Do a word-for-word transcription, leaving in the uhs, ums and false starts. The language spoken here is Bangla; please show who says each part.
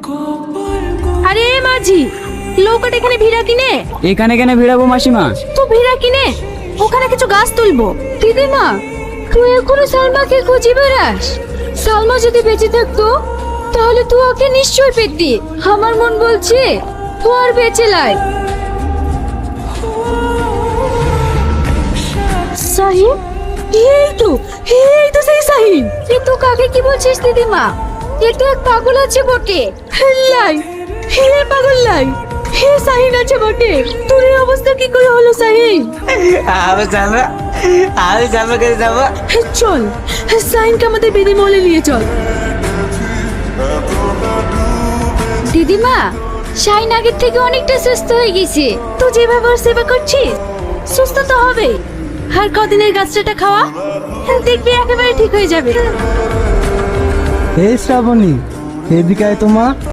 Speaker 1: আরে মাঝি, নৌকাটা এখানে ভিড়া কিনে।
Speaker 2: এখানে কেন ভিড়াবো মাসিমা?
Speaker 1: তো ভিড়া কিনে ওখানে কিছু গাছ তুলবো। দিদিমা, তুই এখনো সালমাকে খুঁজে বেড়াস? সালমা যদি বেঁচে থাকতো তাহলে তুই ওকে নিশ্চয় পেতি। আমার মন বলছে তুই আর বেঁচে লাই। সাহিন, এই তো এই তো সেই সাহিন। এ তো কাকে কি বলছিস দিদিমা? এ তো এক পাগল আছে বটে। লাই, হে পাগল লাই, হে সাহিন আছে বটে। তোর এই অবস্থা কি করে হলো সাহিন?
Speaker 3: আমি যাবো, আমি যাবো করে যাবো।
Speaker 1: চল, সাহিনকে আমাদের বেদি মলে নিয়ে চল। দিদিমা, শাহিন আগের থেকে অনেকটা সুস্থ হয়ে গেছে। তুই যেভাবে ওর সেবা করছিস সুস্থ তো হবে। আর কদিনের গাছটা খাওয়া, দেখবি একেবারে ঠিক হয়ে যাবে।
Speaker 4: এই শ্রাবণী, এদিকে আয় তো মা।